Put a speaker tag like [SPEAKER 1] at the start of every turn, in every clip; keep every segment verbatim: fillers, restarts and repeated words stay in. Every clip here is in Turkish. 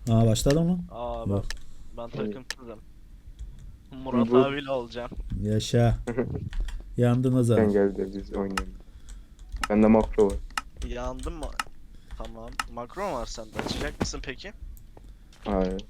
[SPEAKER 1] Aa başladı mı?
[SPEAKER 2] Aa ben,
[SPEAKER 1] Bak.
[SPEAKER 2] ben takımsızım. Murat
[SPEAKER 3] Bu-
[SPEAKER 2] abiyle olacağım.
[SPEAKER 1] Yaşa. Yandınız
[SPEAKER 3] Sen
[SPEAKER 1] abi.
[SPEAKER 3] gel de biz oynayalım. Bende makro var.
[SPEAKER 2] Yandın mı? Tamam. Makro mu var sende? Açacak mısın peki?
[SPEAKER 3] Hayır.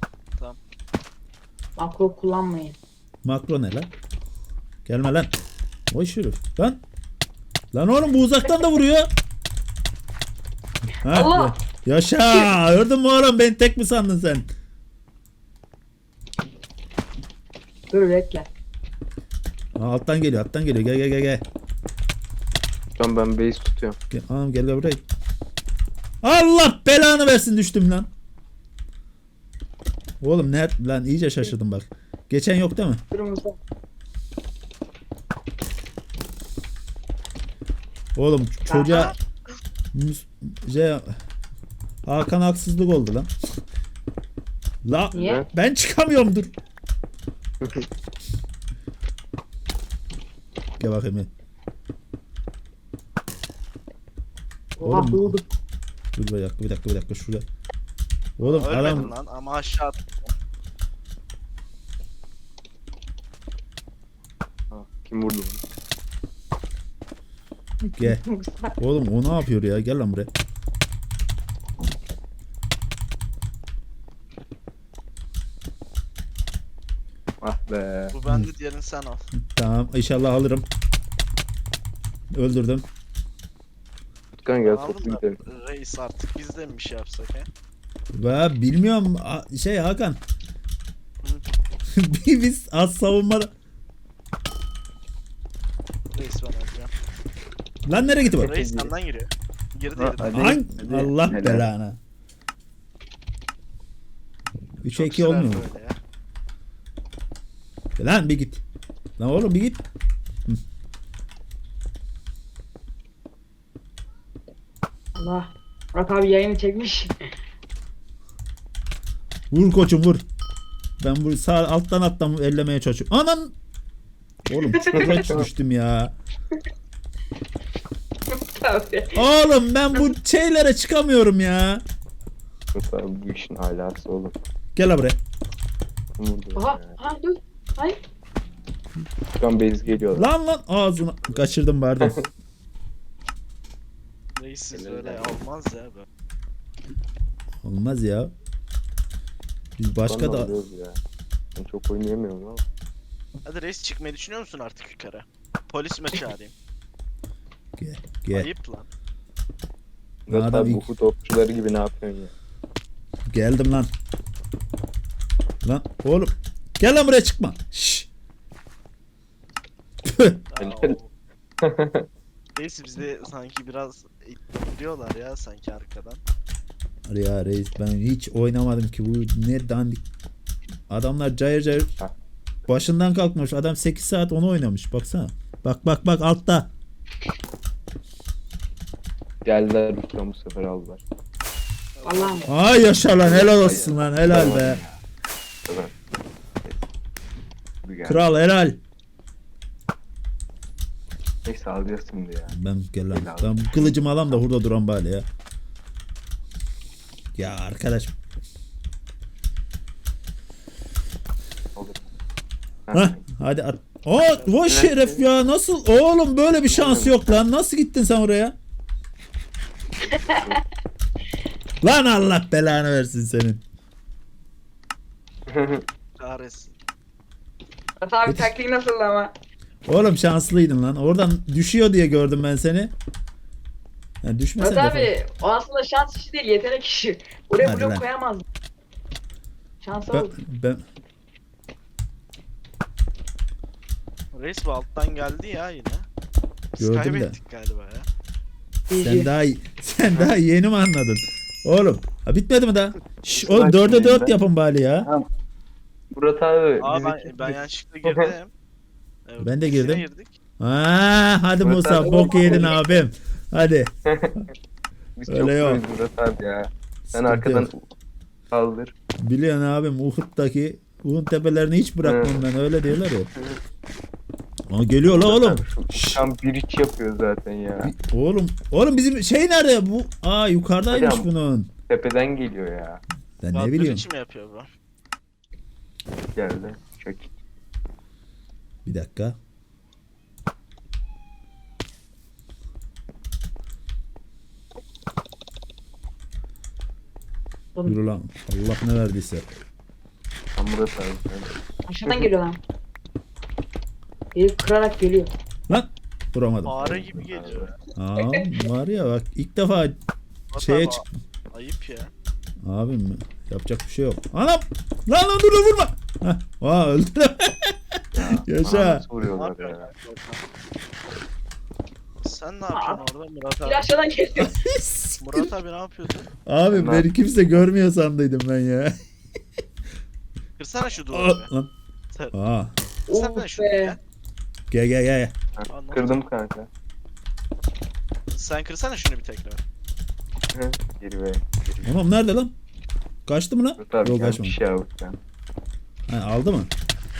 [SPEAKER 4] Makro kullanmayın.
[SPEAKER 1] Makro ne lan? Gelme lan. Oy şerif. Lan. Lan oğlum bu uzaktan da vuruyor. Ha,
[SPEAKER 4] Allah!
[SPEAKER 1] ya- yaşa. Gördün mü oğlum, beni tek mi sandın sen?
[SPEAKER 4] Dur bekle.
[SPEAKER 1] Aa, alttan geliyor, alttan geliyor. Gel gel gel gel.
[SPEAKER 3] Şu an ben base tutuyorum.
[SPEAKER 1] Gel, anam gel gel buraya. Allah belanı versin, düştüm lan. Oğlum ne lan, iyice şaşırdım bak. Geçen yok değil mi?
[SPEAKER 4] Kırmızı.
[SPEAKER 1] Oğlum çocuğa Mus- şey, Hakan haksızlık oldu lan. La
[SPEAKER 4] Niye?
[SPEAKER 1] ben çıkamıyorum, dur. Gel bakayım ya.
[SPEAKER 4] Oha
[SPEAKER 1] Oğlum.
[SPEAKER 4] doğdu.
[SPEAKER 1] Dur bir dakika bir dakika bir dakika şurada. Oğlum
[SPEAKER 2] Ölmedin
[SPEAKER 1] adam
[SPEAKER 2] lan ama aşağı at.
[SPEAKER 3] Ha, kim vurdu bunu?
[SPEAKER 1] gel. Oğlum o ne yapıyor ya? Gel lan buraya.
[SPEAKER 3] Ah be.
[SPEAKER 2] Bu bende, diğerini sen al.
[SPEAKER 1] Tamam inşallah alırım. Öldürdüm.
[SPEAKER 3] Tutkan gel
[SPEAKER 2] Aldın
[SPEAKER 3] toplu
[SPEAKER 2] da
[SPEAKER 3] gidelim.
[SPEAKER 2] reis artık biz de mi bir şey yapsak he?
[SPEAKER 1] Ve bilmiyorum a- şey Hakan. Biz az savunma.
[SPEAKER 2] Reis ben alacağım.
[SPEAKER 1] Lan nereye gitti bu?
[SPEAKER 2] Reis senden giriyor. Girdi
[SPEAKER 3] Ha,
[SPEAKER 2] girdi.
[SPEAKER 3] hadi.
[SPEAKER 1] Hangi?
[SPEAKER 3] hadi.
[SPEAKER 1] Allah
[SPEAKER 3] Helal.
[SPEAKER 1] belanı. üçe
[SPEAKER 2] Çok
[SPEAKER 1] iki
[SPEAKER 2] sürer
[SPEAKER 1] olmuyor mu?
[SPEAKER 2] böyle ya.
[SPEAKER 1] Lan bir git. Lan oğlum bir git.
[SPEAKER 4] Allah. Murat abi yayını çekmiş.
[SPEAKER 1] Vur koçum vur. Ben bu sağ alttan alttan ellemeye çalışıyorum. Anan. Oğlum çukura düştüm ya.
[SPEAKER 4] Tabii.
[SPEAKER 1] Oğlum ben bu şeylere çıkamıyorum ya.
[SPEAKER 3] Mesela bu işin alası oğlum.
[SPEAKER 1] Gel la buraya.
[SPEAKER 3] Kim vurdu
[SPEAKER 4] Oha.
[SPEAKER 3] ya?
[SPEAKER 4] Ha dur. Hayır.
[SPEAKER 3] Tutkan base geliyor.
[SPEAKER 1] Lan lan ağzına kaçırdım pardon.
[SPEAKER 2] Reis siz
[SPEAKER 3] Helal
[SPEAKER 2] öyle
[SPEAKER 3] olsun.
[SPEAKER 2] olmaz ya be.
[SPEAKER 1] Olmaz ya. Biz başka
[SPEAKER 3] Tutkan'la
[SPEAKER 1] da
[SPEAKER 3] alıyoruz ya. Ben çok oynayamıyorum ama.
[SPEAKER 2] Hadi reis, çıkmayı düşünüyor musun artık yukarı? Polis mi çağırayım?
[SPEAKER 1] gel gel.
[SPEAKER 2] Ayıp lan.
[SPEAKER 3] Murat
[SPEAKER 1] Adam
[SPEAKER 3] abi
[SPEAKER 1] ilk-
[SPEAKER 3] bu topçuları gibi ne yapıyorsun ya?
[SPEAKER 1] Geldim lan. Lan oğlum. Gel lan buraya, çıkma. Şşş. Tüh.
[SPEAKER 2] Aa,
[SPEAKER 3] Helal.
[SPEAKER 2] o- Reis bizi sanki biraz diyorlar ya sanki arkadan.
[SPEAKER 1] Ya reis ben hiç oynamadım ki, bu ne dandik. Adamlar cayır cayır
[SPEAKER 3] Ha.
[SPEAKER 1] başından kalkmış. Adam sekiz saat onu oynamış. Baksana. Bak bak bak altta.
[SPEAKER 3] Geldiler Ruslan bu sefer aldılar.
[SPEAKER 4] Allah'ım.
[SPEAKER 1] Ay yaşa lan, helal olsun lan, helal be.
[SPEAKER 3] Evet. Bu geldi.
[SPEAKER 1] Kral helal.
[SPEAKER 3] Neyse alacağız şimdi ya.
[SPEAKER 1] Ben gel lan.
[SPEAKER 3] Helal.
[SPEAKER 1] Ben bu kılıcımı alam da burada duran bari ya. Ya arkadaş.
[SPEAKER 3] Olur.
[SPEAKER 1] Hah hadi at. Aa vay şeref ya, nasıl oğlum, böyle bir şans yok lan, nasıl gittin sen oraya? Lan Allah belanı versin senin.
[SPEAKER 2] Kahretsin.
[SPEAKER 4] Murat abi
[SPEAKER 1] Hiç-
[SPEAKER 4] taktiği nasıl ama?
[SPEAKER 1] Oğlum şanslıydın lan, oradan düşüyor diye gördüm ben seni. Yani düşmesen
[SPEAKER 4] Murat
[SPEAKER 1] de
[SPEAKER 4] abi o aslında şans işi değil, yetenek işi. Oraya
[SPEAKER 1] Hadi lan.
[SPEAKER 4] blok koyamaz. Şansa
[SPEAKER 1] ben,
[SPEAKER 4] oldu.
[SPEAKER 1] ben
[SPEAKER 2] Reis bu alttan geldi ya yine. Biz
[SPEAKER 1] Gördüm de.
[SPEAKER 2] kaybettik galiba ya.
[SPEAKER 1] sen daha sen daha yeni mi anladın? Oğlum ha, bitmedi mi daha? Şş, oğlum
[SPEAKER 3] Bak
[SPEAKER 1] dörde
[SPEAKER 3] şimdi
[SPEAKER 1] dört
[SPEAKER 3] ben-
[SPEAKER 1] yapın bari ya.
[SPEAKER 3] Murat abi.
[SPEAKER 2] Aa
[SPEAKER 3] bizi
[SPEAKER 2] ben,
[SPEAKER 3] kim-
[SPEAKER 2] ben yanlışlıkla girdim. Evet,
[SPEAKER 1] Ben de
[SPEAKER 2] ikisine
[SPEAKER 1] girdim.
[SPEAKER 2] girdik.
[SPEAKER 1] Aa, hadi
[SPEAKER 3] Murat
[SPEAKER 1] Musa
[SPEAKER 3] abi-
[SPEAKER 1] bok yedin abim. Hadi.
[SPEAKER 3] Biz
[SPEAKER 1] Öyle
[SPEAKER 3] çok
[SPEAKER 1] yok.
[SPEAKER 3] proyuz Murat abi ya. Sen
[SPEAKER 1] Sıkıntı
[SPEAKER 3] arkadan
[SPEAKER 1] yok.
[SPEAKER 3] kaldır.
[SPEAKER 1] Biliyorsun abim, Uhud'daki Uhud tepelerini hiç bırakmam ben, öyle diyorlar ya. Aa, geliyor la oğlum. Şşş.
[SPEAKER 3] Tam bir iç yapıyor zaten ya.
[SPEAKER 1] Oğlum, oğlum bizim şey nerede bu? Aa yukarıdaymış
[SPEAKER 3] Hocam.
[SPEAKER 1] bunun.
[SPEAKER 3] Tepeden geliyor ya.
[SPEAKER 1] Ben ne
[SPEAKER 2] Radyo
[SPEAKER 1] biliyorum.
[SPEAKER 2] için mi yapıyor bu?
[SPEAKER 3] Geldi. Çok
[SPEAKER 1] Bir dakika. Yürü lan. Allah ne verdiyse.
[SPEAKER 3] Tam Murat abi. sen-
[SPEAKER 4] Aşağıdan geliyor lan. Gelip kırarak geliyor.
[SPEAKER 1] Lan. Vuramadım.
[SPEAKER 2] Fare gibi geliyor.
[SPEAKER 1] Aa, var ya bak ilk defa
[SPEAKER 2] Murat
[SPEAKER 1] şeye
[SPEAKER 2] abi,
[SPEAKER 1] çık.
[SPEAKER 2] Ayıp ya.
[SPEAKER 1] Abim mi? Yapacak bir şey yok. Anam! Lan lan dur dur vurma. Heh. Aa öldü. Yaşa.
[SPEAKER 3] Aa, nasıl
[SPEAKER 2] Ne
[SPEAKER 3] vuruyorlar
[SPEAKER 2] yapıyorsun?
[SPEAKER 3] ya?
[SPEAKER 2] Sen ne yapıyorsun orada Murat
[SPEAKER 4] Bir
[SPEAKER 2] abi?
[SPEAKER 4] aşağıdan geliyor.
[SPEAKER 2] Murat abi ne yapıyorsun?
[SPEAKER 1] Abi
[SPEAKER 3] Ne
[SPEAKER 1] beni kimse görmüyor sandıydım ben ya.
[SPEAKER 2] Kırsana şu
[SPEAKER 1] Aa,
[SPEAKER 2] duvarı.
[SPEAKER 1] lan.
[SPEAKER 2] Sen-
[SPEAKER 1] Aa.
[SPEAKER 2] Kırsana
[SPEAKER 4] Oh
[SPEAKER 2] şunu
[SPEAKER 4] be.
[SPEAKER 2] ya.
[SPEAKER 1] Gel gel gel.
[SPEAKER 3] Ha,
[SPEAKER 2] Anladım.
[SPEAKER 3] Kırdım kanka.
[SPEAKER 2] Sen kırsana şunu bir tekrar.
[SPEAKER 3] Hı, Geri be. Geri.
[SPEAKER 1] Anam nerede lan? Kaçtı mı lan?
[SPEAKER 3] Murat abi
[SPEAKER 1] Yok
[SPEAKER 3] gelmiş
[SPEAKER 1] kaçmadı.
[SPEAKER 3] ya sen.
[SPEAKER 1] Ha, aldı mı?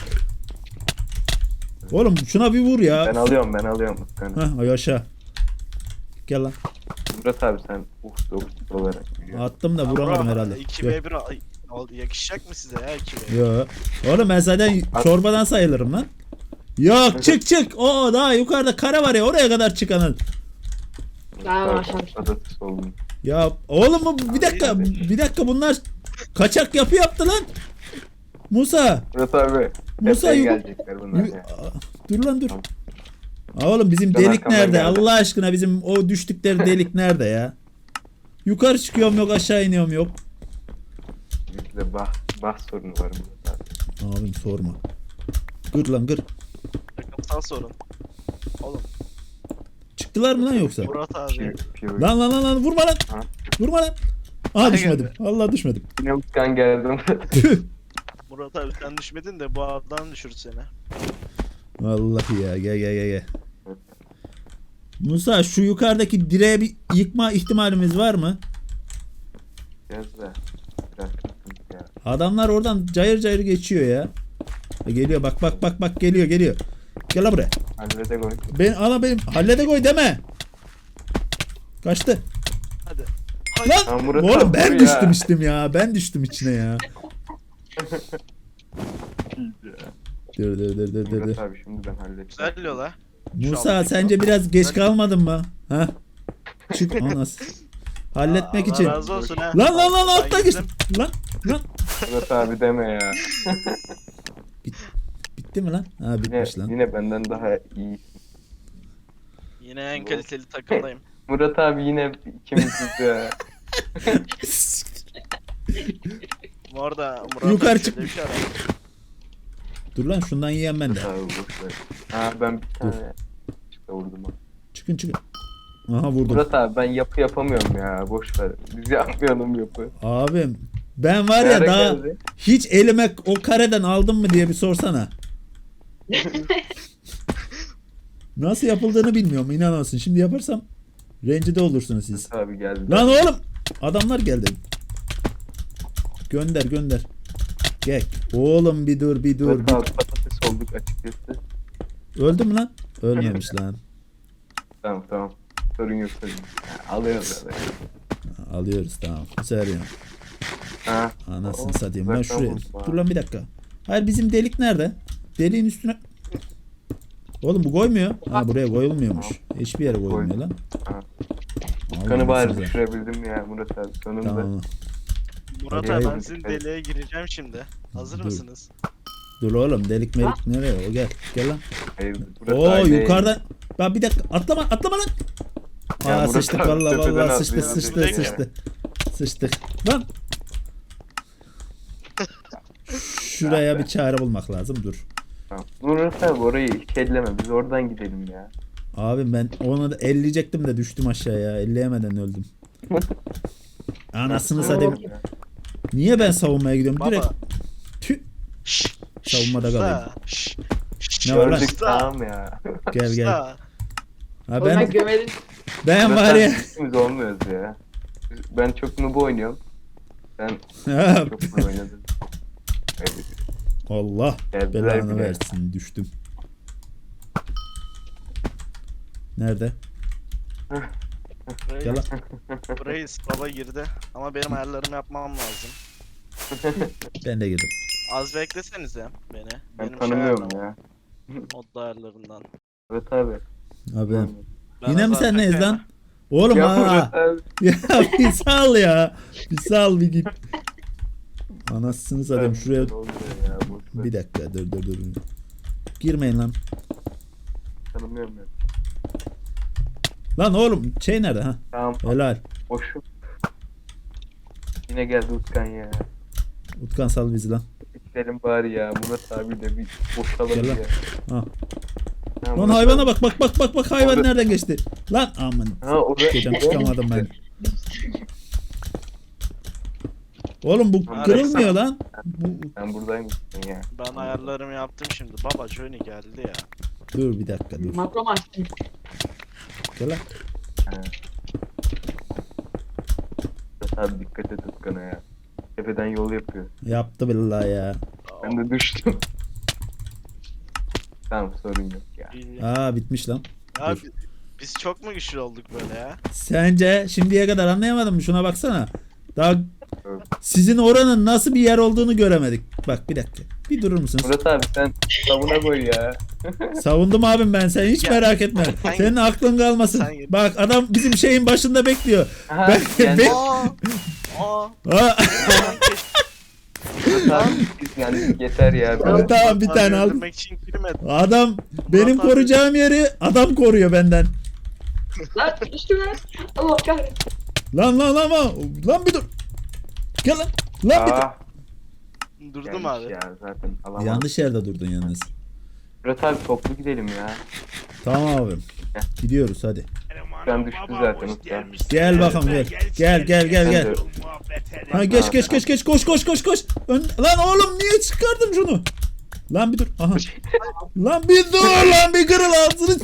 [SPEAKER 1] Oğlum şuna bir vur
[SPEAKER 3] Ben
[SPEAKER 1] ya.
[SPEAKER 3] alıyorum ben alıyorum. Sen.
[SPEAKER 1] Ha ay aşağı. Gel lan.
[SPEAKER 3] Murat abi sen uf dokuz olarak biliyorsun.
[SPEAKER 1] Attım da vuramadım herhalde.
[SPEAKER 2] iki
[SPEAKER 1] Gel.
[SPEAKER 2] ve bir al- al- yakışacak mı size ya iki ve bir?
[SPEAKER 1] Yo. Oğlum ben zaten çorbadan sayılırım lan. Yok çık çık. Oo daha yukarıda kare var ya oraya kadar çıkanın.
[SPEAKER 4] Daha
[SPEAKER 3] Murat
[SPEAKER 4] aşağı
[SPEAKER 3] abi
[SPEAKER 4] düştüm.
[SPEAKER 3] patates oldum.
[SPEAKER 1] Ya oğlum bu bir dakika bir dakika bunlar kaçak yapı yaptı lan. Musa.
[SPEAKER 3] Murat abi.
[SPEAKER 1] Musa,
[SPEAKER 3] Musa
[SPEAKER 1] yu-
[SPEAKER 3] gelecekler bunlar
[SPEAKER 1] yu-
[SPEAKER 3] ya.
[SPEAKER 1] Aa, dur lan dur. Aa, oğlum bizim
[SPEAKER 3] Ben
[SPEAKER 1] delik
[SPEAKER 3] arkamdan
[SPEAKER 1] nerede?
[SPEAKER 3] geldim.
[SPEAKER 1] Allah aşkına bizim o düştükleri delik nerede ya? Yukarı çıkıyorum yok aşağı iniyorum yok.
[SPEAKER 3] Bizde bah, bah sorunu var Murat abi.
[SPEAKER 1] Abim sorma. Gır lan gır.
[SPEAKER 2] Takımsal sorun. Oğlum
[SPEAKER 1] Çıktılar mı lan yoksa?
[SPEAKER 2] Murat abi.
[SPEAKER 3] Piyo, piyo.
[SPEAKER 1] Lan lan lan lan vurma lan.
[SPEAKER 3] Ha?
[SPEAKER 1] Vurma lan. Aha
[SPEAKER 2] Ay,
[SPEAKER 1] düşmedim.
[SPEAKER 2] geldi.
[SPEAKER 1] Allah düşmedim.
[SPEAKER 3] Yine Utkan geldim.
[SPEAKER 1] Tüh.
[SPEAKER 2] Murat abi sen düşmedin de bu adam düşürdü seni.
[SPEAKER 1] Vallahi ya gel gel gel gel. Musa şu yukarıdaki direğe bir yıkma ihtimalimiz var mı?
[SPEAKER 3] Biraz da. Biraz sıkıntı ya.
[SPEAKER 1] Adamlar oradan cayır cayır geçiyor ya. E, Geliyor bak bak bak bak geliyor geliyor. Gel lan buraya.
[SPEAKER 3] Hallede koy.
[SPEAKER 1] Ben ana benim hallede koy deme. Kaçtı.
[SPEAKER 2] Hadi.
[SPEAKER 1] Lan
[SPEAKER 3] Lan Murat
[SPEAKER 1] oğlum
[SPEAKER 3] abi,
[SPEAKER 1] ben
[SPEAKER 3] dur
[SPEAKER 1] düştüm
[SPEAKER 3] ya.
[SPEAKER 1] içtim ya. Ben düştüm içine ya. Dur dur dur dur dur. dur.
[SPEAKER 3] Murat abi şimdi ben halledeceğim.
[SPEAKER 2] Güzel yola.
[SPEAKER 1] Musa sence biraz geç kalmadın mı? Ha? Çık anas. Halletmek
[SPEAKER 2] Allah
[SPEAKER 1] için.
[SPEAKER 2] razı olsun ha.
[SPEAKER 1] Lan lan lan
[SPEAKER 2] Ben
[SPEAKER 1] altta geçtim.
[SPEAKER 2] gittim.
[SPEAKER 1] Lan lan.
[SPEAKER 3] Murat abi deme ya.
[SPEAKER 1] Bitti mi lan? Ha
[SPEAKER 3] Yine,
[SPEAKER 1] bitmiş lan.
[SPEAKER 3] yine benden daha iyi.
[SPEAKER 2] Yine en kaliteli takımdayım.
[SPEAKER 3] Murat abi yine ikimiziz ya.
[SPEAKER 2] Bu arada Murat
[SPEAKER 1] Yukarı
[SPEAKER 2] abi
[SPEAKER 1] çık.
[SPEAKER 2] şöyle bir şey var.
[SPEAKER 1] Dur lan şundan yiyen ben de.
[SPEAKER 3] Murat abi boş ver. Ha ben bir tane çıta vurdum. ha.
[SPEAKER 1] Çıkın çıkın. Aha vurdum.
[SPEAKER 3] Murat abi ben yapı yapamıyorum ya. Boş ver. Biz yapmayalım yapı.
[SPEAKER 1] Abim ben var
[SPEAKER 3] Ne
[SPEAKER 1] ya
[SPEAKER 3] ara
[SPEAKER 1] daha
[SPEAKER 3] geldi?
[SPEAKER 1] hiç elime o kareden aldım mı diye bir sorsana. Nasıl yapıldığını bilmiyorum inanamazsın. Şimdi yaparsam rencide olursunuz siz.
[SPEAKER 3] Murat abi geldi.
[SPEAKER 1] Lan oğlum adamlar geldi. Gönder gönder. Gel. Oğlum bir dur bir dur.
[SPEAKER 3] Murat abi patates olduk açıkçası.
[SPEAKER 1] Bir... Öldü mü lan? Ölmemiş lan.
[SPEAKER 3] Tamam tamam. Sorun yok sorun yok. Ha, alıyoruz zaten.
[SPEAKER 1] Alıyoruz tamam. Bu sefer ya.
[SPEAKER 3] Ha.
[SPEAKER 1] Anasını
[SPEAKER 3] Oo,
[SPEAKER 1] satayım. Ben
[SPEAKER 3] uzaktan
[SPEAKER 1] şuraya.
[SPEAKER 3] vurdum ha.
[SPEAKER 1] Dur lan bir dakika. Hayır bizim delik nerede? Deliğin üstüne. Oğlum bu koymuyor. Ha buraya koyulmuyormuş. Hiçbir yere koyulmuyor lan.
[SPEAKER 3] Ha.
[SPEAKER 1] Allah'ım
[SPEAKER 3] Kanı bari
[SPEAKER 1] size.
[SPEAKER 3] düşürebildim ya Murat abi sonunda.
[SPEAKER 1] Tamam.
[SPEAKER 2] Murat
[SPEAKER 1] Oraya
[SPEAKER 2] abi ben
[SPEAKER 3] vurduk,
[SPEAKER 2] sizin
[SPEAKER 3] evet.
[SPEAKER 2] deliğe gireceğim şimdi. Hazır
[SPEAKER 1] Dur.
[SPEAKER 2] mısınız?
[SPEAKER 1] Dur oğlum delik melik nereye? O gel. Gel lan.
[SPEAKER 3] Hayır, Murat
[SPEAKER 1] Oo
[SPEAKER 3] abi-
[SPEAKER 1] yukarıdan. Bak bir dakika atlama atlama lan.
[SPEAKER 3] Ya
[SPEAKER 1] Aa
[SPEAKER 3] Murat
[SPEAKER 1] sıçtık
[SPEAKER 3] abi
[SPEAKER 1] vallahi
[SPEAKER 3] tepeden
[SPEAKER 1] vallahi sıçtı
[SPEAKER 3] atlıyor.
[SPEAKER 1] sıçtı
[SPEAKER 2] Ya.
[SPEAKER 1] sıçtı. Sıçtık. Lan. Şuraya bir çare bulmak lazım. Dur.
[SPEAKER 3] Tamam. Murat abi orayı hiç elleme. Biz oradan gidelim ya.
[SPEAKER 1] Abi ben onu da elleyecektim de düştüm aşağıya. Elleyemeden öldüm. Anasını satayım.
[SPEAKER 3] Ya.
[SPEAKER 1] Niye ben savunmaya gidiyorum?
[SPEAKER 2] Baba.
[SPEAKER 1] Direkt tüh.
[SPEAKER 2] Şşş.
[SPEAKER 1] Savunmada
[SPEAKER 2] usta,
[SPEAKER 1] kalayım.
[SPEAKER 2] şşş, şşş,
[SPEAKER 1] Ne var lan?
[SPEAKER 3] Gördük
[SPEAKER 2] usta,
[SPEAKER 3] tamam ya.
[SPEAKER 1] Gel gel.
[SPEAKER 2] usta.
[SPEAKER 1] Ha
[SPEAKER 4] Oğlum ben
[SPEAKER 1] ben
[SPEAKER 4] gömedim.
[SPEAKER 1] ben
[SPEAKER 3] Murat
[SPEAKER 1] var
[SPEAKER 3] abi
[SPEAKER 1] ya.
[SPEAKER 3] ikimiz olmuyoruz ya. Ben çok noob oynuyorum. Sen
[SPEAKER 1] Ha,
[SPEAKER 3] çok noob oynadın. Evet.
[SPEAKER 1] Allah
[SPEAKER 3] Geldiler
[SPEAKER 1] belanı
[SPEAKER 3] bile.
[SPEAKER 1] versin düştüm. Nerede? Gel
[SPEAKER 2] Reis,
[SPEAKER 1] lan.
[SPEAKER 2] reis baba girdi ama benim ayarlarımı yapmam lazım.
[SPEAKER 1] Ben de girdim.
[SPEAKER 2] Az beklesenize beni.
[SPEAKER 3] Ben
[SPEAKER 2] Benim
[SPEAKER 3] tanımıyorum
[SPEAKER 2] şey
[SPEAKER 3] ya.
[SPEAKER 2] modda ayarlarından.
[SPEAKER 3] Evet abi.
[SPEAKER 1] Abi.
[SPEAKER 2] Ben
[SPEAKER 1] Yine mi
[SPEAKER 2] az
[SPEAKER 1] sen neyiz
[SPEAKER 2] bekleyemem.
[SPEAKER 1] lan? Oğlum
[SPEAKER 3] Ya
[SPEAKER 1] ha.
[SPEAKER 3] Murat abi.
[SPEAKER 1] Ya bir sal ya. Bir sal bir git. Anasını satayım şuraya.
[SPEAKER 3] Ne oluyor ya, boş ver.
[SPEAKER 1] Bir dakika dur dur dur. Girmeyin lan.
[SPEAKER 3] Tanımıyorum ben.
[SPEAKER 1] Lan oğlum şey nerede ha?
[SPEAKER 3] Tamam.
[SPEAKER 1] Helal.
[SPEAKER 3] Boşum. Yine geldi Utkan ya.
[SPEAKER 1] Utkan sal bizi lan.
[SPEAKER 3] Gidelim bari ya. Murat abi de bir boşalalım
[SPEAKER 1] Gel lan.
[SPEAKER 3] ya.
[SPEAKER 1] Ha.
[SPEAKER 3] Ha,
[SPEAKER 1] Lan
[SPEAKER 3] Murat
[SPEAKER 1] hayvana
[SPEAKER 3] abi.
[SPEAKER 1] bak bak bak bak bak hayvan
[SPEAKER 3] Orada-
[SPEAKER 1] nereden geçti? Lan aman.
[SPEAKER 3] Ha orada.
[SPEAKER 1] Çıkacağım çıkamadım ben. Oğlum bu
[SPEAKER 3] Ha,
[SPEAKER 1] kırılmıyor lan. Bu...
[SPEAKER 3] Sen buradaymışsın ya.
[SPEAKER 2] Ben ayarlarımı yaptım şimdi. Baba Johnny geldi ya.
[SPEAKER 1] Dur bir dakika dur.
[SPEAKER 4] Makro mu açtın?
[SPEAKER 1] Gel lan.
[SPEAKER 3] Ha. Murat abi dikkat et Utkan'a ya. Tepeden yol yapıyor.
[SPEAKER 1] Yaptı billahi ya.
[SPEAKER 3] Ben de düştüm. Tamam sorun yok ya.
[SPEAKER 2] İyi.
[SPEAKER 1] Aa bitmiş lan.
[SPEAKER 2] Abi biz çok mu güçlü olduk böyle ya?
[SPEAKER 1] Sence şimdiye kadar anlayamadım mı? Şuna baksana. Daha
[SPEAKER 3] Evet.
[SPEAKER 1] sizin oranın nasıl bir yer olduğunu göremedik. Bak bir dakika. Bir durur musunuz?
[SPEAKER 3] Murat abi sen savuna koy ya.
[SPEAKER 1] Savundum abim ben. Sen hiç
[SPEAKER 2] Ya,
[SPEAKER 1] merak etme.
[SPEAKER 2] sen-
[SPEAKER 1] Senin aklın kalmasın.
[SPEAKER 2] sen git.
[SPEAKER 1] Bak adam bizim şeyin başında bekliyor.
[SPEAKER 3] Ha,
[SPEAKER 1] Ben-
[SPEAKER 3] yani
[SPEAKER 1] ben-
[SPEAKER 2] Aa! Aa!
[SPEAKER 1] Aa,
[SPEAKER 3] Murat abi biz yani yeter ya.
[SPEAKER 1] Tamam,
[SPEAKER 3] Böyle.
[SPEAKER 1] tamam, bir tane al.
[SPEAKER 2] Öldürmek için girmedim.
[SPEAKER 1] adam benim
[SPEAKER 2] Murat abi-
[SPEAKER 1] koruyacağım yeri adam koruyor benden.
[SPEAKER 4] Lan üstüme. Allah kahretsin.
[SPEAKER 1] Lan lan lan lan. Lan bir dur. Gel lan. Lan bir dur.
[SPEAKER 3] Aa,
[SPEAKER 2] Durdum
[SPEAKER 3] yanlış
[SPEAKER 2] abi.
[SPEAKER 3] ya zaten alamadım.
[SPEAKER 1] Yanlış yerde durdun yalnız.
[SPEAKER 3] Murat abi toplu gidelim ya.
[SPEAKER 1] Tamam abim. Gidiyoruz hadi.
[SPEAKER 3] Ben düştü zaten Utkan.
[SPEAKER 1] Gel bakalım gel. Gel gel gel gel. Ha geç geç geç geç koş koş koş koş. Ön... Lan oğlum niye çıkardın şunu? Lan bir dur. Aha. Lan bir dur lan bir kırıl ağzını.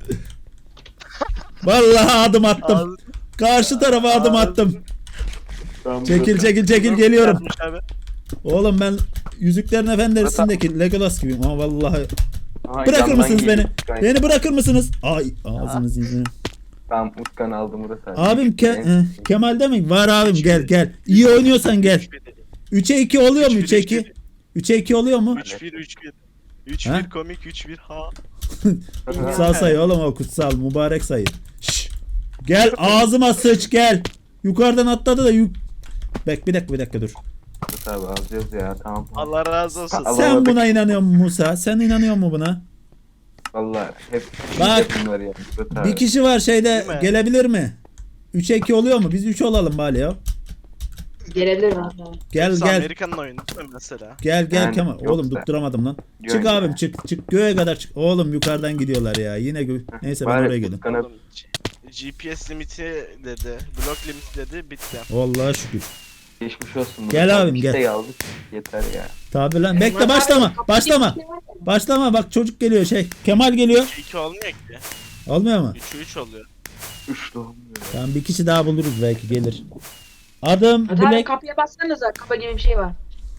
[SPEAKER 1] Vallahi adım attım. Karşı tarafa adım attım.
[SPEAKER 3] Tamam,
[SPEAKER 1] Çekil
[SPEAKER 3] Murat
[SPEAKER 1] çekil çekil geliyorum.
[SPEAKER 2] Yapmış abi.
[SPEAKER 1] Oğlum ben Yüzüklerin Efendisi'ndeki Legolas gibiyim ama vallahi.
[SPEAKER 3] abi. Aha,
[SPEAKER 1] Bırakır
[SPEAKER 3] yandan
[SPEAKER 1] mısınız
[SPEAKER 3] geliyor
[SPEAKER 1] beni?
[SPEAKER 3] Utkan.
[SPEAKER 1] Beni bırakır mısınız? Ay ağzınızı yüzünü.
[SPEAKER 3] Tamam Utkan aldı Murat abi.
[SPEAKER 1] Abim Ke
[SPEAKER 3] En-
[SPEAKER 1] eh, Kemal'de mi? Var abim gel gel. İyi oynuyorsan gel. üçe iki oluyor mu? üçe iki. üçe iki oluyor mu?
[SPEAKER 2] üç bir üç bir. üç
[SPEAKER 1] Ha?
[SPEAKER 2] bir komik üç bir ha.
[SPEAKER 1] Kutsal sayı oğlum o kutsal mübarek sayı. Şşş. Gel ağzıma sıç gel. Yukarıdan atladı da yuk. Bek bir dakika bir dakika dur.
[SPEAKER 3] Murat abi alacağız ya tamam.
[SPEAKER 2] Allah razı olsun.
[SPEAKER 3] Allah-
[SPEAKER 1] Sen
[SPEAKER 3] Alamadık.
[SPEAKER 1] buna inanıyor musun Musa? Sen inanıyor musun buna?
[SPEAKER 3] Vallahi hep
[SPEAKER 1] Bak,
[SPEAKER 3] bunlar ya Murat abi.
[SPEAKER 1] Bir kişi var şeyde
[SPEAKER 2] Değil mi?
[SPEAKER 1] gelebilir mi? üçe iki oluyor mu? Biz üç olalım bari ya.
[SPEAKER 4] Gelebilir abi.
[SPEAKER 1] Gel
[SPEAKER 2] Hepsi
[SPEAKER 1] gel.
[SPEAKER 2] Amerika'nın oyunu değil mi mesela?
[SPEAKER 1] Gel gel
[SPEAKER 3] Yani
[SPEAKER 1] Kemal.
[SPEAKER 3] yoksa-
[SPEAKER 1] Oğlum tutturamadım lan.
[SPEAKER 3] Göğe
[SPEAKER 1] Çık abim
[SPEAKER 3] ya.
[SPEAKER 1] çık çık göğe kadar çık. Oğlum yukarıdan gidiyorlar ya. Yine gö Neyse ben
[SPEAKER 3] Bari
[SPEAKER 1] oraya gelin.
[SPEAKER 3] Utkan'a
[SPEAKER 2] Oğlum, G P S limiti dedi, blok limiti dedi, bitti.
[SPEAKER 1] Vallahi şükür.
[SPEAKER 3] geçmiş olsun Murat
[SPEAKER 1] Gel
[SPEAKER 3] abi.
[SPEAKER 1] abim,
[SPEAKER 3] Bir
[SPEAKER 1] gel.
[SPEAKER 3] şey aldık yeter ya.
[SPEAKER 1] Tabi lan.
[SPEAKER 4] Murat
[SPEAKER 1] Bekle
[SPEAKER 4] abi,
[SPEAKER 1] başlama.
[SPEAKER 4] kapı
[SPEAKER 1] Başlama.
[SPEAKER 4] gibi bir şey var ya.
[SPEAKER 1] Başlama bak çocuk geliyor şey. Kemal geliyor.
[SPEAKER 2] üç iki olmuyor ki.
[SPEAKER 1] Olmuyor mu?
[SPEAKER 2] üç üç oluyor.
[SPEAKER 3] Üçlü olmuyor.
[SPEAKER 1] Tamam bir kişi daha buluruz belki gelir. Adım
[SPEAKER 4] Hadi abi
[SPEAKER 1] Black.
[SPEAKER 4] kapıya bassanıza. Kapı gibi bir şey var.